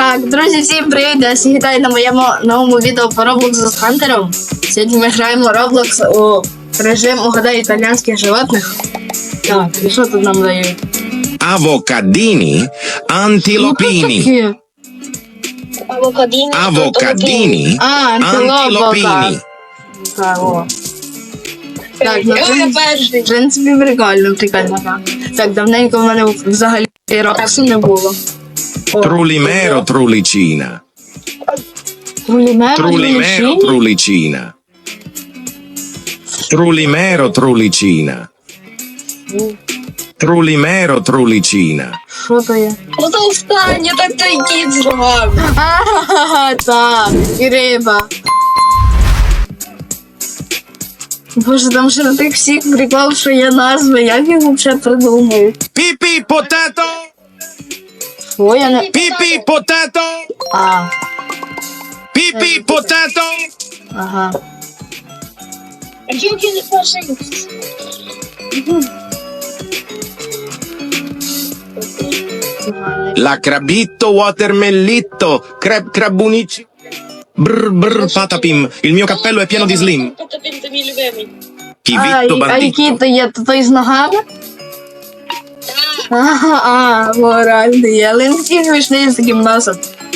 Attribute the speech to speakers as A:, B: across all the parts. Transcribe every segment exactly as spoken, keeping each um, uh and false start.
A: Так, друзі, всім привіт! Я всіх вітаю на моєму новому відео по Roblox з Хантером. Сьогодні ми граємо Roblox у режим угадай італійських животних. Так, і що тут нам дають?
B: Avocadini antilopini.
A: Таке?
C: Авокадіні.
B: Avocadini
A: А, антилопа.
B: antilopini.
A: Так, о. Так, ну,
C: Я
A: в
C: перший.
A: принципі, прикольно, прикольно. Так, так давненько в мене взагалі Roblox не було. О,
B: Trulimero trulicina.
A: Трулімеро,
B: Trulimero trulicina. Trulimero trulicina. Trulimero trulicina.
A: Що то є?
C: Ну то останнє, так той кіт зробив.
A: Ага, так, і риба. Боже, там ще на тих всіх прикол, що є назви, як їх взагалі придумають?
B: Pipi potato.
A: О, я не...
B: Pipi potato.
A: А,
B: Pipi potato.
A: ага.
C: А тільки не перший.
B: La crabitto watermellitto. Crab crabunici. Brr brr patapim. Il mio cappello è pieno di slim.
C: Потопін то мій любимий.
A: А,
B: Chivitto
A: і- а які
B: bandito.
A: то є? То той з ногами? Ага, а, моральний є. Але він такий смішний з таким носом.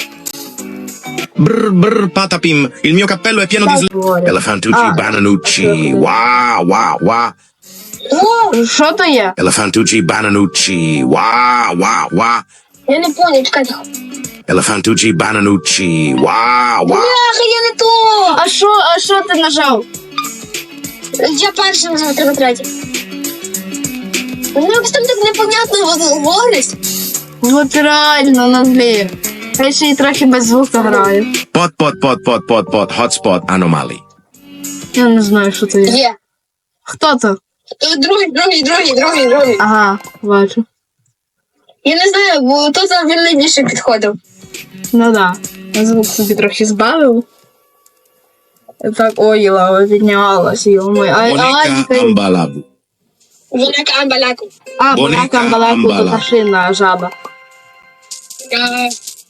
B: Brr brr patapim. Il mio cappello è pieno di slim.
A: Говорю.
B: Elefantucci
A: Ah.
B: bananucci. Wow wow wow.
C: О,
A: Що то є?
B: Elefantucci bananucci. Wow wow wow.
C: я не поняв, чекайте.
B: Elefantucci bananucci. Wow wow.
C: Бляха, я не то.
A: А що, а що ти нажав?
C: Я перший нажав, треба третій. Ну, якось там так непонятно говорить.
A: От реально, ну блін. Я ще й трохи без звуку граю.
B: Pot pot pot pot pot pot hotspot anomaly.
A: Я не знаю, що це є.
C: Є.
A: Хто то?
C: Е, Другий, другий, другий, другий, другий.
A: Ага, бачу.
C: Я не знаю, бо то там він найбільше підходив.
A: Ну да. Я звук собі трохи збавив. І так, ой, лава піднялась, йо-моє. А, а,
B: Bonica
A: а,
B: ambalabu.
C: Велика амбаляку.
A: а,
B: Боника
A: балака, балаку, то
B: амбала.
A: машина, жаба.
C: Я...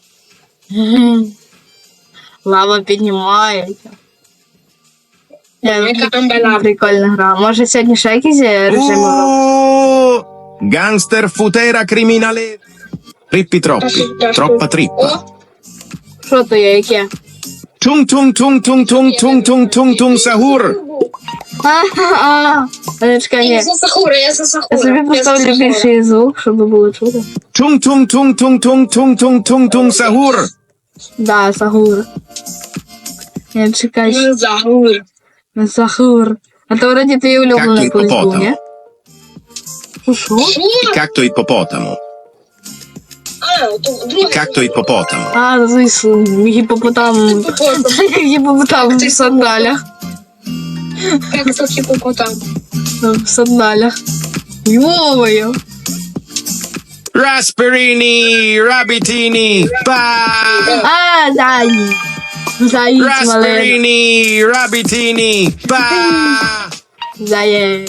A: Лава піднімається.
C: Велика амбаляку.
A: Прикольна гра. Може сьогодні ще якісь є режими?
B: Oh, gangster futera criminale. Trippi troppi. Troppa trippa.
C: О,
A: Що то є, яке?
B: Tung tung tung tung tung tung tung tung tung sahur.
A: А, а, а, чекай,
C: я
A: ні.
C: за Сахура, я за Сахура.
A: Я собі
C: Я за
A: поставлю
C: Сахура.
A: більший звук, щоб було чути.
B: Tung tung tung tung tung tung tung tung tung sahur.
A: Да, Сахур. Я чекай,
C: Я за Сахура.
A: Сахур. А то вроді твій улюблений
B: Як
A: колись був,
B: гіпопотам.
A: ні? Що?
C: Що?
B: Il cacto ippopotamo.
C: А, то другий.
B: Il cacto ippopotamo.
A: А, звісно, гіпопотам.
C: Гіпопотам.
A: Гіпопотам в сандалях.
C: Як це гіпопотам?
A: В сандалях. Йо-моє.
B: Rasperini, rabbitini. Ba!
A: А, дай. Заїць маленький.
B: Rasperini, rabbitini. Ba!
A: Заєць.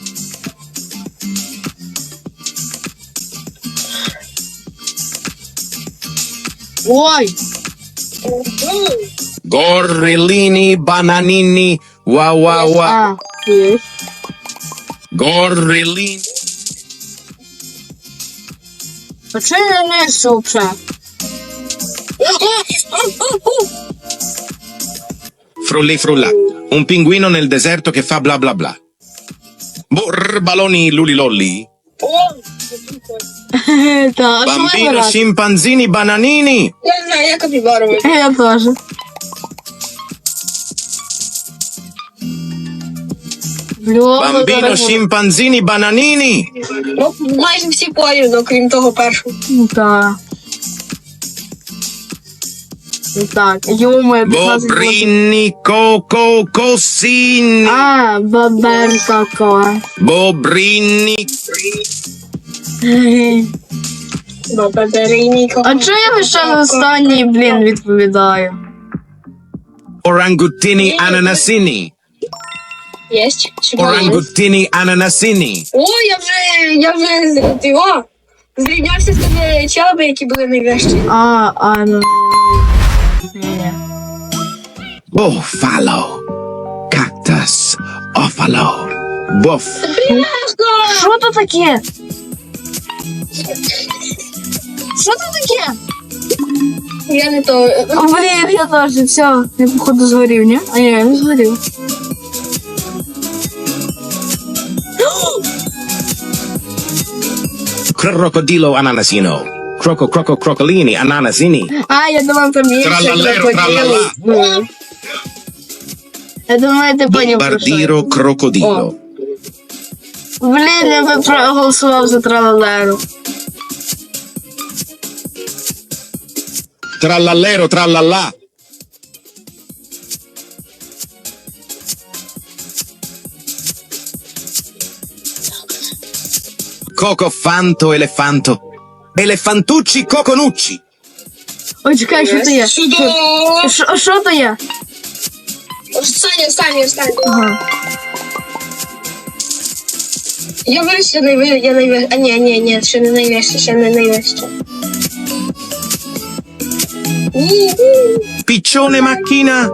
A: Ой.
B: Gorrellini, bananini. Wow wow wow.
A: А, є.
B: Gorrellini.
A: А чого я не несу вже?
B: Frulli frulla. Un pinguino nel deserto che fa bla bla bla. Brr, baloni lulilolli.
C: О,
A: Так, а що
B: Bambino
A: вибирати?
B: scimpanzini bananini.
C: я не знаю, я капібарова.
A: Я теж. Бльо,
B: Bambino scimpanzini bananini.
C: Ну, майже всі порівно, крім того першого.
A: Так. Так, йомо, п'ятнадцять років.
B: Bobrini coco cossini.
A: А, баберка ко.
B: Bobrini.
C: А
A: А чого я лише останній, блін, відповідаю?
B: Orangutini ananasini.
C: Єсть.
B: Orangutini ananasini.
C: О, я вже, я вже, його, Зрівнявся з тими челами, які були найвищі.
A: А, а, ну. Ні.
B: Buffalo. Cactus. Offalo. Buff.
A: Що то таке? Що то таке?
C: Я не то.
A: Блін, я теж, все, я походу згорів, ні? А я не згорів.
B: Crocodilo ananasino. Croco, croco, crocolini, ananasini.
A: А, я думав, там є ще
B: Тралалеро,
A: крокодили.
B: тралала.
A: Я думаю, ти поняв, про що.
B: Bombardiro crocodilo.
A: Блін, я би проголосував за тралалеру.
B: Trallallero, trallallà. Cocofanto, elefanto. Elefantucci, coconucci.
A: Ой, чекай, що то є?
C: Чудово!
A: Що- Що то є?
C: Останнє, останнє, останнє.
A: Ага.
C: Я вирішила найвище, я найвище. А ні, ні, ні, ще не найвище, ще не найвище.
B: Piccione macchina,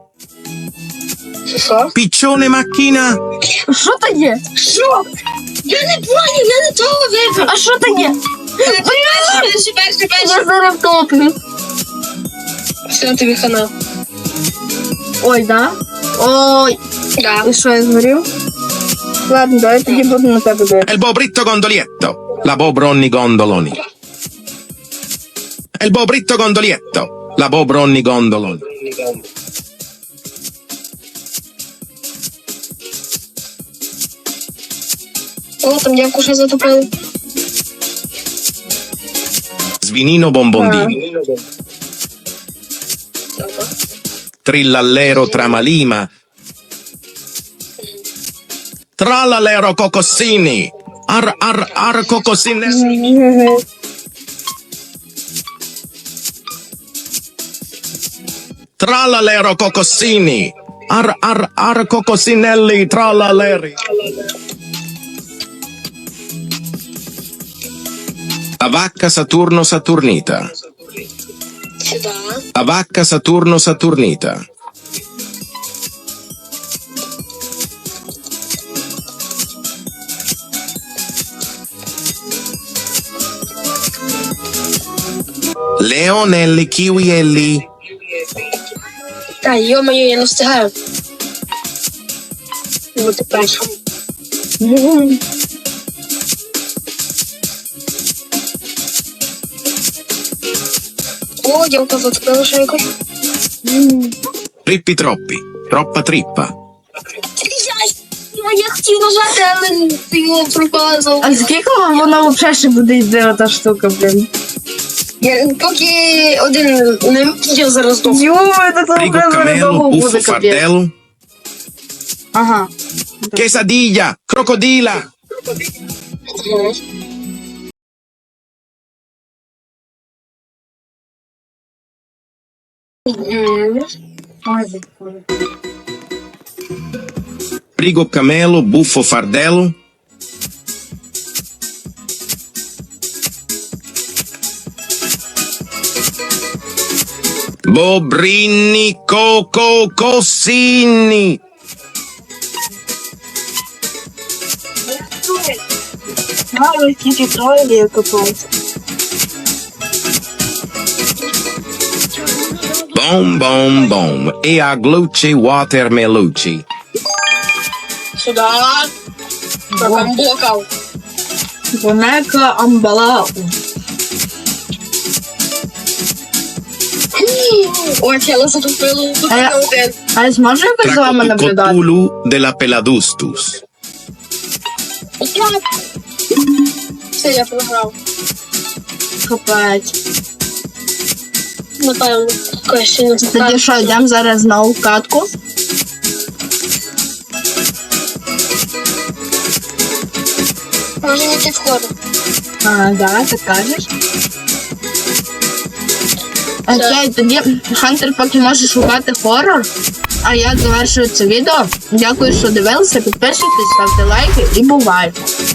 C: Що?
B: piccione macchina.
A: Що то є?
C: Що? Я не поняв, я не того вибрав.
A: А що то є?
C: Перший, перший, перший.
A: Я зараз втоплю.
C: Все, тобі хана.
A: Ой, да? Ой.
C: Да.
A: І що, я згорів? Ладно, давай тоді буду на тебе дивитися.
B: El bobritto gondolietto. La bobronni gondoloni. El bobritto gondolietto. La bobronni gondoloni.
C: О, там дівку ще затопили.
B: Svinino bombondini. Trillallero tramalima. Trallallero cocossini. Ar ar ar cocossine. Trallallero cocossini. Ar ar ar cocossinelli trallalleri. La vacca Saturno Saturnita.
C: Сюди.
B: La vacca Saturno Saturnita. Leonelli kiwielli.
C: Та, йо-моє, я не встигаю. Бути першим. О, дівка затопила ще якось.
B: Trippi troppi. Troppa trippa.
C: Я, я хотів нажати, але ти його пропазав.
A: А скільки воно взагалі ще буде йти ота штука, блін?
C: Я, поки один не я зараз довго.
A: Йо, це там
B: Frigo
A: прям
B: cammello,
A: довго
B: buffo
A: буде капець.
B: fardello.
A: Ага.
B: Quesadilla. Crocodila. Frigo camelo, buffo fardello. Bobrini, coco, cossini.
A: Гарно тільки троє я копаюся.
B: Boom, boom, boom. E aglucci watermelucci.
C: Сюди. Там блокав.
A: Вонека амбала.
C: Ой, я затопила.
A: А я-
C: один.
A: А я зможу якось з вами наблюдати?
B: Tracotulu della peladustus.
C: Все, я програв.
A: Капець.
C: Напевно. Якось ще не
A: Тоді
C: знаю.
A: що, йдемо зараз знову в катку?
C: Може не ти входив.
A: А, да, ти кажеш. Окей, тоді Хантер поки може шукати хорор. А я завершую це відео. Дякую, що дивилися. Підписуйтесь, ставте лайки і бувайте.